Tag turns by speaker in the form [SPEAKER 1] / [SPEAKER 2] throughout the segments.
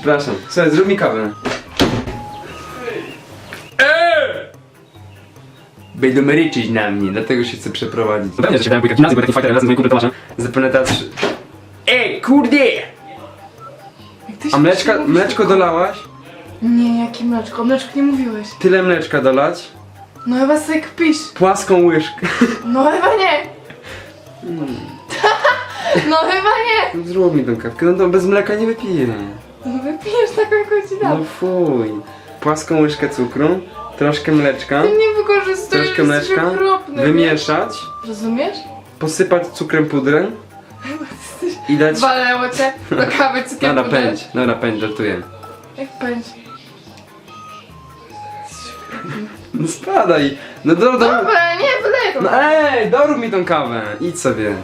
[SPEAKER 1] Przepraszam. Słuchaj, zrób mi kawę. Będą ryczyć na mnie, dlatego się chcę przeprowadzić.
[SPEAKER 2] Pewnie, że się dałem pójść gimnazjum, bo taki fighter razem z moim kumplem Tomaszem.
[SPEAKER 1] Zapewne teraz... kurde! A mleczko dolałaś?
[SPEAKER 3] Nie, jakie mleczko? O mleczku nie mówiłeś.
[SPEAKER 1] Tyle mleczka dolać?
[SPEAKER 3] No chyba sobie kpisz.
[SPEAKER 1] Płaską łyżkę.
[SPEAKER 3] No chyba nie. No chyba nie.
[SPEAKER 1] Zrób mi tą kawkę, no to bez mleka nie wypiję.
[SPEAKER 3] No wypijesz taką, jaką ci
[SPEAKER 1] No
[SPEAKER 3] dam.
[SPEAKER 1] fuj. Płaską łyżkę cukru, troszkę mleczka,
[SPEAKER 3] Ty mnie wykorzystujesz,
[SPEAKER 1] troszkę
[SPEAKER 3] jesteś
[SPEAKER 1] mleczka,
[SPEAKER 3] okropny.
[SPEAKER 1] wymieszać,
[SPEAKER 3] Rozumiesz?
[SPEAKER 1] posypać cukrem pudrem i dać...
[SPEAKER 3] Walnęło cię do kawy cukier
[SPEAKER 1] Dobra, pędź, żartuję.
[SPEAKER 3] Jak pędź?
[SPEAKER 1] No spadaj, no
[SPEAKER 3] Dobra, nie, wylej
[SPEAKER 1] no dorób mi tą kawę, idź sobie.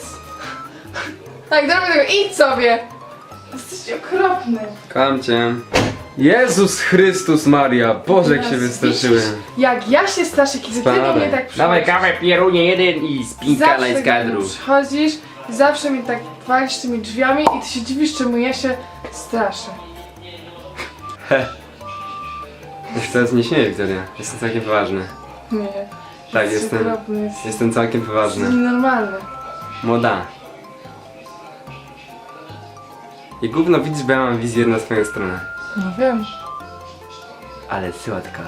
[SPEAKER 3] Tak, dobra tego, idź sobie. Jesteś okropny.
[SPEAKER 1] Kocham cię. Jezus Chrystus Maria, Boże jak się wystraszyłem.
[SPEAKER 3] Jak ja się straszę, kiedy ty do mnie tak przychodzisz.
[SPEAKER 1] Dawaj kawę, pierunie jeden i spinka na
[SPEAKER 3] Zawsze
[SPEAKER 1] skadru.
[SPEAKER 3] kiedy przychodzisz, zawsze mi tak walisz tymi drzwiami i ty się dziwisz, czemu ja się straszę.
[SPEAKER 1] Ja się teraz nie śmieję, Wiktoria. Jestem całkiem poważny.
[SPEAKER 3] Nie.
[SPEAKER 1] Tak,
[SPEAKER 3] Jesteś
[SPEAKER 1] jestem.
[SPEAKER 3] okropny, jesteś
[SPEAKER 1] Jestem całkiem poważny.
[SPEAKER 3] nienormalny.
[SPEAKER 1] Młoda. I gówno widzisz, bo ja mam wizję na swoją stronę.
[SPEAKER 3] No wiem.
[SPEAKER 1] Ale słodka.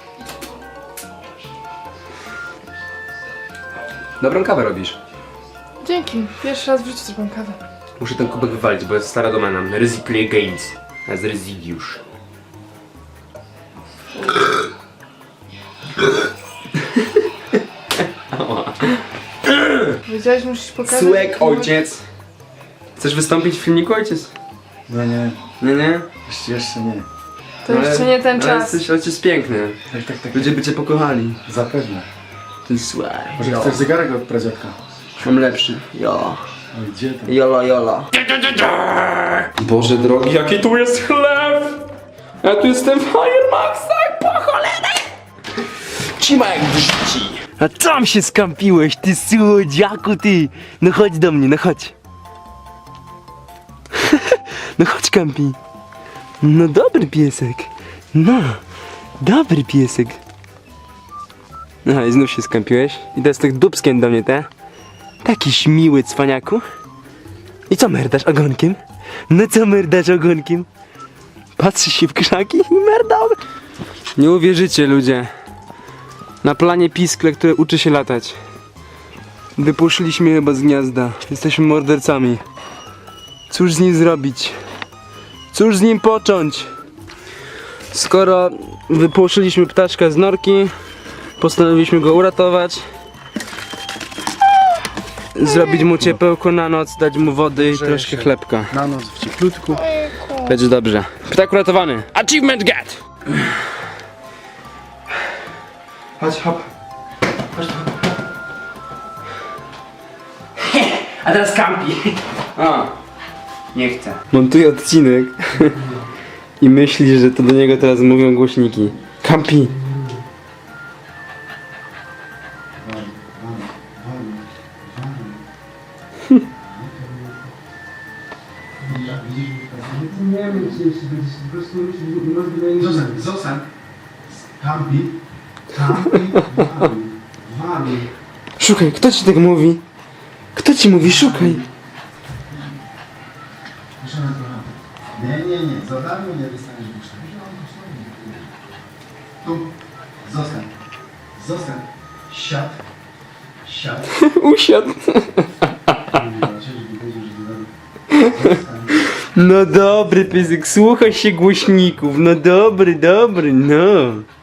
[SPEAKER 1] Dobrą kawę robisz.
[SPEAKER 3] Dzięki. Pierwszy raz w życiu zrobiłam kawę.
[SPEAKER 1] Muszę ten kubek wywalić, bo jest stara domena. Ryzy Play Games. A jest Ryzidiusz.
[SPEAKER 3] Wiedziałeś, musisz pokazać...
[SPEAKER 1] Słek ojciec. Chcesz wystąpić w filmiku, ojciec?
[SPEAKER 4] Nie, nie,
[SPEAKER 1] Nie?
[SPEAKER 4] jeszcze nie.
[SPEAKER 3] To jeszcze nie ten
[SPEAKER 1] ale
[SPEAKER 3] czas.
[SPEAKER 1] jesteś ojciec piękny.
[SPEAKER 4] Tak.
[SPEAKER 1] Ludzie by cię pokochali.
[SPEAKER 4] Zapewne.
[SPEAKER 1] Ten słek.
[SPEAKER 4] Może chcesz zegarek od pradziadka?
[SPEAKER 1] Mam lepszy. Jo.
[SPEAKER 4] Oj, gdzie tam?
[SPEAKER 1] Jola. Boże drogi, jaki tu jest chleb! Ja tu jestem w Firemaxach, po cholerę! Cima jak w życi.
[SPEAKER 5] A tam się skampiłeś, ty słodziaku, ty! No chodź do mnie, no chodź. No chodź, Kampi. No dobry piesek. No, dobry piesek. Aha, i znów się skampiłeś. I teraz tak dupskiem do mnie, te? Takiś miły cwaniaku. I co merdasz ogonkiem? No co merdasz ogonkiem? Patrzysz się w krzaki i merdał.
[SPEAKER 1] Nie uwierzycie, ludzie. Na planie piskle, które uczy się latać. Wypuszczyliśmy chyba z gniazda. Jesteśmy mordercami. Cóż z nim zrobić? Cóż z nim począć? Skoro wypuszczyliśmy ptaszka z norki, postanowiliśmy go uratować. Zrobić mu ciepełko na noc, dać mu wody i troszkę chlebka.
[SPEAKER 4] Na noc w cieplutku.
[SPEAKER 1] Będzie dobrze. Ptak uratowany. Achievement get!
[SPEAKER 4] Chodź, hop.
[SPEAKER 5] A teraz Kampi.
[SPEAKER 1] A, nie chcę. Montuję odcinek i myśli, że to do niego teraz mówią głośniki. Kampi!
[SPEAKER 4] Zostań. Kampi. Wami.
[SPEAKER 1] Szukaj, kto ci tak mówi? Kto ci mówi? Szukaj!
[SPEAKER 4] Nie. Za darmo nie dostaniesz buszka. Tu. Zostań. Siad.
[SPEAKER 1] Usiadł. No dobry piesek, słuchaj się głośników. No dobry, no.